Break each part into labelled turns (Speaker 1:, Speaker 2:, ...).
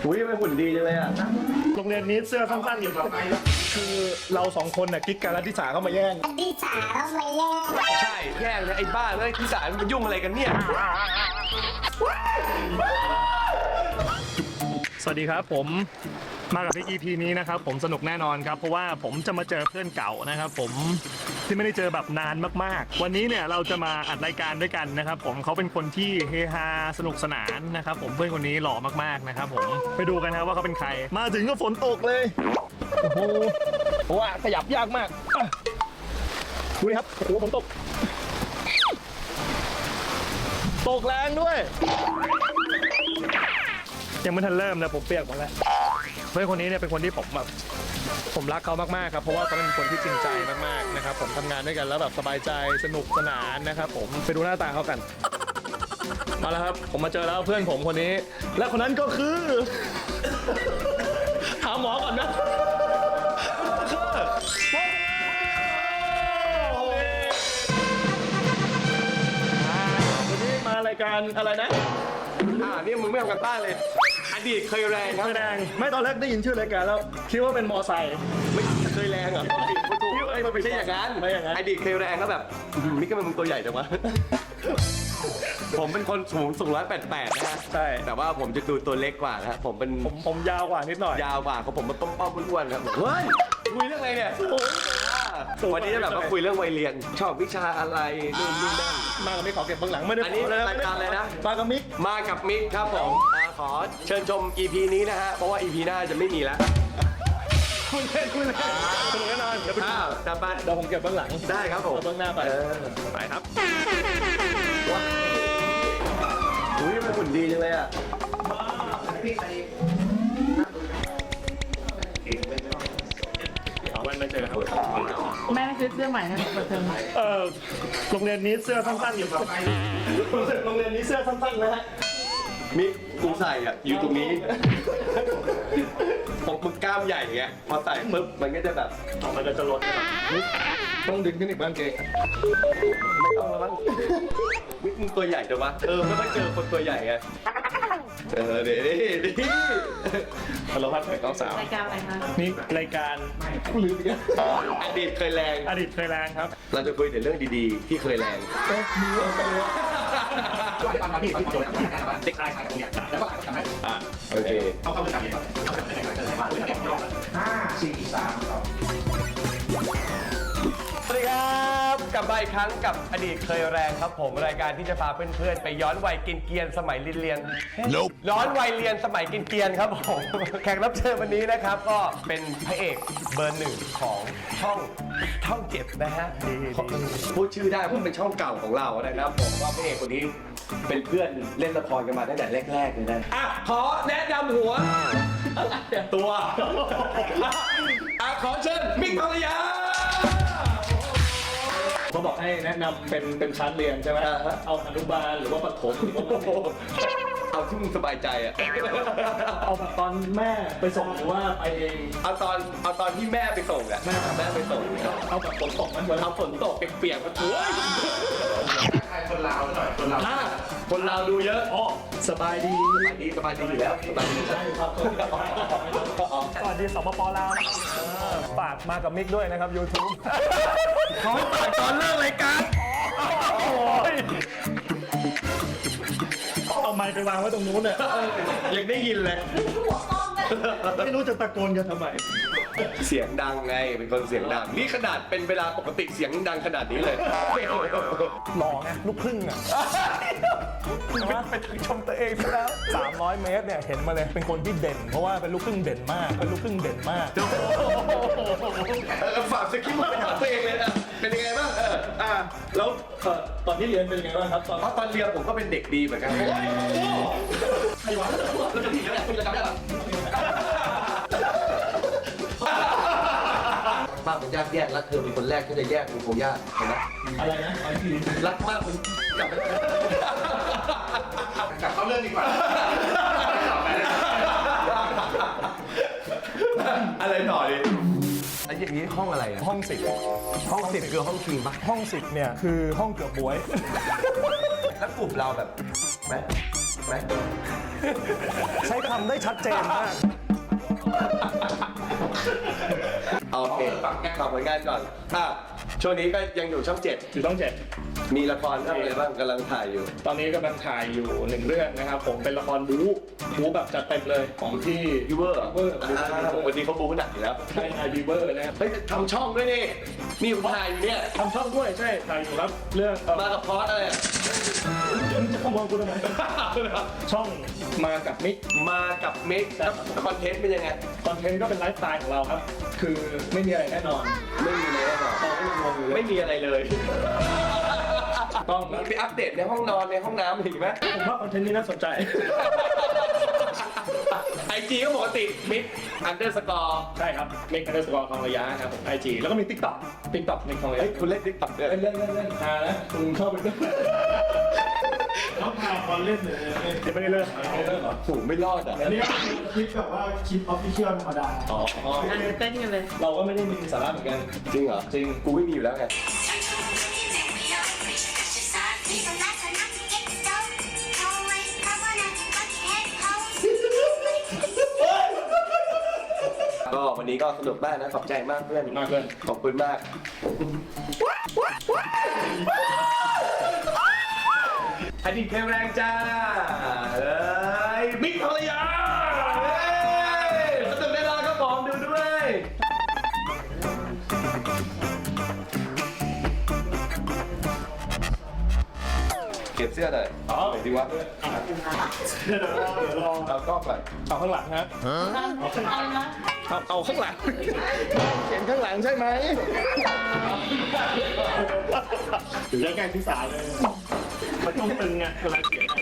Speaker 1: อุ้ยไม่หุ่นดีจังเลยอ่ะ
Speaker 2: โรงเรียนนี้เสื้อสั้นๆอยู่คือเราสองคนน่ะกิ๊กกันแล้วทิสาเข้ามาแย่ง
Speaker 3: ที่สาวมาแย่ง
Speaker 1: ใช่แย่งนะไอ้บ้าเลยที่สายมันยุ่งอะไรกันเนี่ย
Speaker 2: สวัสดีครับผมมากับพี่ EP นี้นะครับผมสนุกแน่นอนครับเพราะว่าผมจะมาเจอเพื่อนเก่านะครับผมที่ไม่ได้เจอแบบนานมากๆวันนี้เนี่ยเราจะมาอัดรายการด้วยกันนะครับผมเขาเป็นคนที่เฮฮาสนุกสนานนะครับผมเพื่อนคนนี้หล่อมากๆนะครับผมไปดูกันครับว่าเขาเป็นใครมาถึงก็ฝนตกเลยโอ้โหว่าขยับยากมากอ่ะดูดิครับโอ้โหฝนตกแรงด้วยยังไม่ทันเริ่มนะผมเปียกหมดแล้วเพื่อนคนนี้เนี่ยเป็นคนที่ผมรักเขามากๆครับเพราะว่าเขาเป็นคนที่จริงใจมากๆนะครับผมทำงานด้วยกันแล้วแบบสบายใจสนุกสนานนะครับผมไปดูหน้าตาเขากันมาแล้วครับผมมาเจอแล้วเพื่อนผมคนนี้และคนนั้นก็คือหาหมอก่อนนะวันนี้มารายการอะไรนะ
Speaker 1: นี่มึงไม่ทำกันบ้านเลยอดีตเคยแรงครับ
Speaker 2: ไม่แรงไม่ตอนแรกได้ยินชื่อรายการแล้วคิดว่าเป็นมอไซค์
Speaker 1: ไม่เคยแรงเหรอไม่ใช่อย่างนั้น
Speaker 2: ไม่อย่างนั้น
Speaker 1: อดีตเคยแรงก็แบบนี่ก็เป็นมึงตัวใหญ่จังวะผมเป็นคนสูง188นะฮะ
Speaker 2: ใช่
Speaker 1: แต่ว่าผมจะดูตัวเล็กกว่านะผมเป็น
Speaker 2: ผมยาวกว่านิดหน่อย
Speaker 1: ยาวกว่าเขาผมมันป้อมๆอ้วนๆครับเฮ้ยคุยเรื่องอะไรเนี่ยวันนี้จะแบบว่าคุยเรื่องวัยเรียนชอบวิชาอะไรนู่นนี่นั่น
Speaker 2: มากับมิกขอเก็บเบื้องหลังไม่ได้
Speaker 1: อันนี้รายการอะไรนะ
Speaker 2: มากับมิก
Speaker 1: มากับมิกครับผมขอเชิญชม EP นี้นะฮะเพราะว่า EP หน้าจะไม่มีแล้ว
Speaker 2: คุณเล่นสนุกแน่นอนเดี๋ยวไป
Speaker 1: จับไป
Speaker 2: เดี๋ยวผมเก็บเบื้องหลัง
Speaker 1: ได้ครับผม
Speaker 2: เอาเบื้องหน้าไปไปครับ
Speaker 1: อุ้ยมันหุ่นดีจังเลยอ่ะ
Speaker 2: เอาวันมาเจอครับ
Speaker 4: แม่ซื้อเสื้อใหม่ให้เปิดเทอม
Speaker 2: โรงเรียนนี้เสื้อสั้นๆอยู่ครับโรงเรียนนี้เสื้อสั้นๆนะฮะ
Speaker 1: มิกกูใส่อ่ะอยู่ตรงนี้ผมมึงกล้ามใหญ่ไงพอใส่ปุ๊บมันก็จะแบบ
Speaker 2: มันก็จะลดต้องดึงขึ้นอีกบ้างเกง
Speaker 1: ไม่ต้องแล้วมั้งมิกมึงตัวใหญ่จังวะไม่ค่อยเจอคนตัวใหญ่ไงเดี๋ยวดิ
Speaker 2: ฮัลโหลครับน้องสาว
Speaker 4: รายการอะไรคะ
Speaker 2: นี่รายการลืมอีกแล้ว
Speaker 1: อดีตเคยแรง
Speaker 2: อดีตเคยแรงครับ
Speaker 1: เราจะคุยแต่เรื่องดีๆที่เคยแรง
Speaker 2: เด็กชายขายของเนี่ยแล้วก็ทำได้
Speaker 1: โอเค
Speaker 2: เข้าไปทำเนี่ย
Speaker 1: สวัสดีครับกลับมาอีกครั้งกับอดีตเคยแรงครับผมรายการที่จะพาเพื่อนๆไปย้อนวัยกินเกียนสมัยเรียนย้อนวัยเรียนสมัยกินเกียนครับผมแขกรับเชิญวันนี้นะครับก็เป็นพระเอกเบอร์หนึ่งของช่องเจ็ดนะฮะพูดชื่อได้เพราะเป็นช่องเก่าของเรานะครับผมว่าพระเอกคนนี้เป็นเพื่อนเล่นละครกันมาตั้งแต่แรกๆเลยนะขอแนะนำหัวตัวขอเชิญมิกภรรยา
Speaker 2: เขาบอกให้แนะนำเป็นชั้นเรียนใช่ไหมเอาอนุบาลหรือว่าประถม
Speaker 1: เอาที่มึงสบายใจอ่ะ
Speaker 2: เอาแบบตอนแม่ไปส่งหรือว่าไปเอง
Speaker 1: เอาตอนที่แม่ไปส่งอ่ะแม่ไปส่ง
Speaker 2: เอาแบบฝนตกมันเหมือน
Speaker 1: เอาฝนตกเปียกๆมาถือคนลาวหน่อยคนลาวดูเยอะ
Speaker 2: อ๋อสบายดี
Speaker 1: สบายดีอยู่แล้วสบายดี
Speaker 2: ใช่ครับสวัสดีสปปลาวฝากมากับมิกด้วยนะครับ YouTube
Speaker 1: เขาฝากตอนเลิกรายการ
Speaker 2: โอ้ยเอาไมค์ไปวางไว้ตรงนู้นเนี่ย
Speaker 1: ยังได้ยินเลย
Speaker 2: ไม่รู้จะตะโกนกันทำไม
Speaker 1: เสียงดังไงเป็นคนเสียงดังนี่ขนาดเป็นเวลาปกติเสียงดังขนาดนี้เลย
Speaker 2: หล่อไงลูกครึ่งอ่ะไปถึงชมตัวเองซะแล้ว300 เมตรเนี่ยเห็นมาเลยเป็นคนที่เด่น เพราะว่าเป็นลูกครึ่งเด่นมากเป็นลูกครึ่งเด่นมาก
Speaker 1: ฝากสคริปต์มาไปถามตัวเองเลยนะเป็นยังไงบ้าง
Speaker 2: แล้วตอนที่เรียนเป็นยังไงบ้างครับ
Speaker 1: เพราะตอนเรียนผมก็เป็นเด็กดีเหมือนกัน
Speaker 2: ใครวะแล้วจะผิดแล้วคุณจะจำได้หรอ
Speaker 1: ป้าผมยากแยกรักเธอเป็นคนแรกที่จะแยกเป็นโคยากเห็นไหม
Speaker 2: อะไรนะ
Speaker 1: รักมากมันกลับไป
Speaker 5: กลับเข้าเรื่องดีกว่า
Speaker 1: อะไรต่อดิไอ้อย่างนี้ห้องอะไรอะ
Speaker 2: ห้อง10
Speaker 1: คือห้องคิงปะ
Speaker 2: ห้อง10เนี่ยคือห้องเกือบบวย
Speaker 1: แล้วกลุ่มเราแบบไหม
Speaker 2: ใช้คำได้ชัดเจนมาก
Speaker 1: โอเคฝากผลงานก่อนช่วงนี้ก็ยังอยู่ช่อง
Speaker 2: อยู่ต้องเจ็ด
Speaker 1: 7มีละครเรื่องอะไรบ้างกำลังถ่ายอยู่
Speaker 2: ตอนนี้กำลังถ่ายอยู่1เรื่องนะครับผมเป็นละครบู๊แบบจัดเต็มเลยของที่
Speaker 1: ยูเวอร์
Speaker 2: เวอร์
Speaker 1: วันนี้เขาบู๊หนักอยู่แล้ว
Speaker 2: ใช่บีเวอร์นะครับ
Speaker 1: เฮ้ยทำช่องด้วยนี่นี่ผมถ่ายอยู่เนี่ย
Speaker 2: ทำช่องด้วยใช่ถ่ายอยู่ครับเรื่อง
Speaker 1: มากับพอสอะไรอะ
Speaker 2: จะขโมยกูทำไมช่องมากับมิก
Speaker 1: มากับมิกแล้วคอนเทนต์เป็นยังไง
Speaker 2: คอนเทนต์ก็เป็นไลฟ์สไตล์ของเราครับ คือไม่มีอะไรแน่นอน
Speaker 1: ไม่มีเลยหรอ
Speaker 2: เราก็ยังงงอยู่เลย
Speaker 1: ไม่มีอะไรเลย
Speaker 2: ต้อง
Speaker 1: มีไปอัปเดตในห้องนอนในห้องน้ำอีกไหม
Speaker 2: ผมว่าคอนเทนต์นี้น่าสนใจ
Speaker 1: ไอจีก็ปกติมิก_
Speaker 2: ใช่ครับมิก_ทองระยะครับผม IG แล้วก็มี TikTok มิกทองระยะ
Speaker 1: เฮ้ยคุณเล่นติ๊กต็อกด้วย
Speaker 2: เล่นหานะคุณเข้าไปด้วย
Speaker 3: เขาพาบอลเล่นเลย
Speaker 2: ยังไม่ได้เลิกเหรอ
Speaker 1: สูงไม่รอดอ่ะ
Speaker 3: อันนี้คลิปแบบว่าคลิปออฟฟิเชียลธรรมดา
Speaker 2: อ๋อ
Speaker 4: เต้นกันเลย
Speaker 2: เราก็ไม่ได้มีสาระเหมือนกัน
Speaker 1: จริงเหรอ
Speaker 2: จริง
Speaker 1: กูไม่มีอยู่แล้วไงก็วันนี้ก็สนุกมากนะขอบใจมากเพื่อน
Speaker 2: มากเพื่อน
Speaker 1: ขอบคุณมากอดีตเพลงแรงจ้าเลยมิกภรรยาสนุกแน่นอนครับผมดูด้วยเก็บเสื้อหน่อยไหนดีวะ
Speaker 2: เดี๋ยวรอ
Speaker 1: เอากล้องก่อน
Speaker 2: เอาข้างหลังฮะ
Speaker 4: เอานะ
Speaker 2: เอาข้างหลังเขียนข้างหลังใช่ไหม
Speaker 3: หรือจะแกล้งพี่สาวเลย
Speaker 2: มันต้องตึงไงเวลาเขียน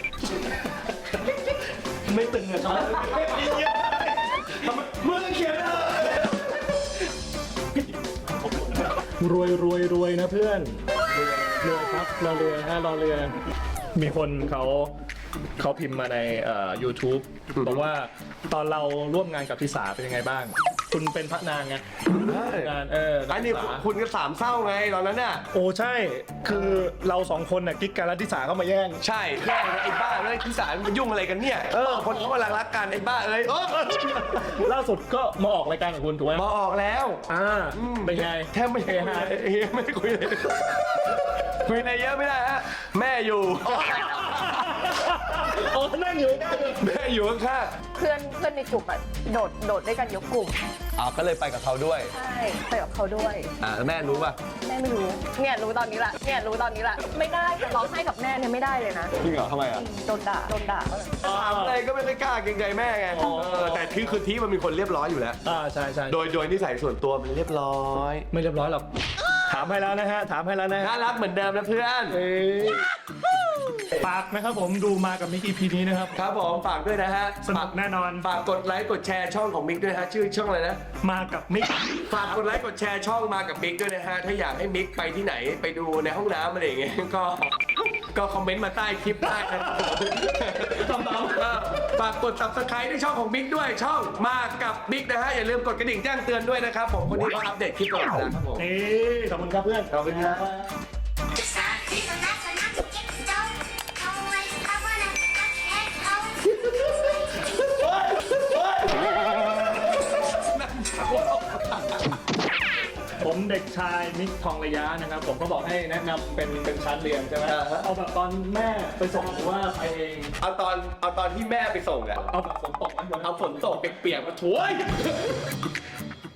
Speaker 2: ไม่ตึงอะชอบมึงเขียนรวยนะเพื่อนรวยครับรอเรือฮะรอเรือ มีคนเขาพิมพ์มาในYouTube บอกว่าตอนเราร่วมงานกับทิสาเป็นยังไงบ้าง คุณเป็นพระนางไงงาน
Speaker 1: อันนี้
Speaker 2: ทิสา
Speaker 1: คุณก็สามเศร้าไงตอนนั้นน่ะ
Speaker 2: โอ้ใช่ คือเราสองคนน่ะกิ๊กกันแล้วทิสาเข้ามาแย่ง
Speaker 1: ใช่แย่งไอ้บ้าเลยที่สารมันยุ่งอะไรกันเนี่ยคนเขากำลังรักกันไอ้บ้าเอ้ย
Speaker 2: ล่าสุดก็มาออกรายการกับคุณถูกไหม
Speaker 1: มาออกแล้ว
Speaker 2: เป็นไง
Speaker 1: แทบไม่ได้ไม่ได้คุยเลยคุยอะไรเยอะไม่ได้ฮะแม่อยู่
Speaker 2: โอ้นั่งอยู่
Speaker 1: แม่อยู่ข้าง
Speaker 5: เพื่อนในกลุ่มอะโดดด้วยกันยกกลุ่ม
Speaker 1: ๆก็เลยไปกับเขาด้วย
Speaker 5: ใช่ไปกับเขาด้วย
Speaker 1: แม่รู้ป่ะ
Speaker 5: แม่ไม่รู้เนี่ยรู้ตอนนี้ละไม่ได้จะร้องไห้กับแม่เนี่ยไม่ได้เลยนะ
Speaker 1: จริงเหรอทำไมอ่ะ
Speaker 5: โดนด่า
Speaker 1: ถามอะไรก็ไม่ได้กล้าเกรงใจแม่ไงแต่คือที่มันมีคนเรียบร้อยอยู่แล้ว
Speaker 2: ใช่
Speaker 1: โดยนิสัยส่วนตัวมันเรียบร้อย
Speaker 2: ไม่เรียบร้อยหรอก ถามให้แล้วนะฮะ
Speaker 1: น่ารักเหมือนเดิมนะเพื่อน
Speaker 2: ฝากนะครับผมดูมากับมิก EP นี้นะครับ
Speaker 1: ครับผมฝากด้วยนะฮะ
Speaker 2: สนุกแน่นอน
Speaker 1: ฝากกดไลค์กดแชร์ช่องของมิกด้วยฮะชื่อช่องอะไรนะ
Speaker 2: มากับมิก
Speaker 1: ฝากกดไลค์กดแชร์ช่องมากับมิกด้วยนะฮะถ้าอยากให้มิกไปที่ไหนไปดูในห้องน้ำอะไรอย่างเงี้ยก็คอมเมนต์มาใต้คลิปได้นะครับฝากกด subscribe ในช่องของมิกด้วยช่องมากับมิกนะฮะอย่าลืมกดกระดิ่งแจ้งเตือนด้วยนะครับผมคนนี้ก็อัปเดตคลิปตลอดเวลาครับผม
Speaker 2: นี่ขอบคุณครับเพื่อน
Speaker 1: ขอบคุณครับ
Speaker 2: ผมเด็กชายมิกทองระยะนะครับผมก็บอกให้แนะนำเป็นชั้นเรียนใช่ไหมเอาแบบตอนแม่ไปส่งหรือว่าไปเอง
Speaker 1: เอาตอนที่แม่ไปส่งอะ
Speaker 2: เอาแบบฝนตกไหม
Speaker 1: เอาฝนตกเปียกๆมาช่วย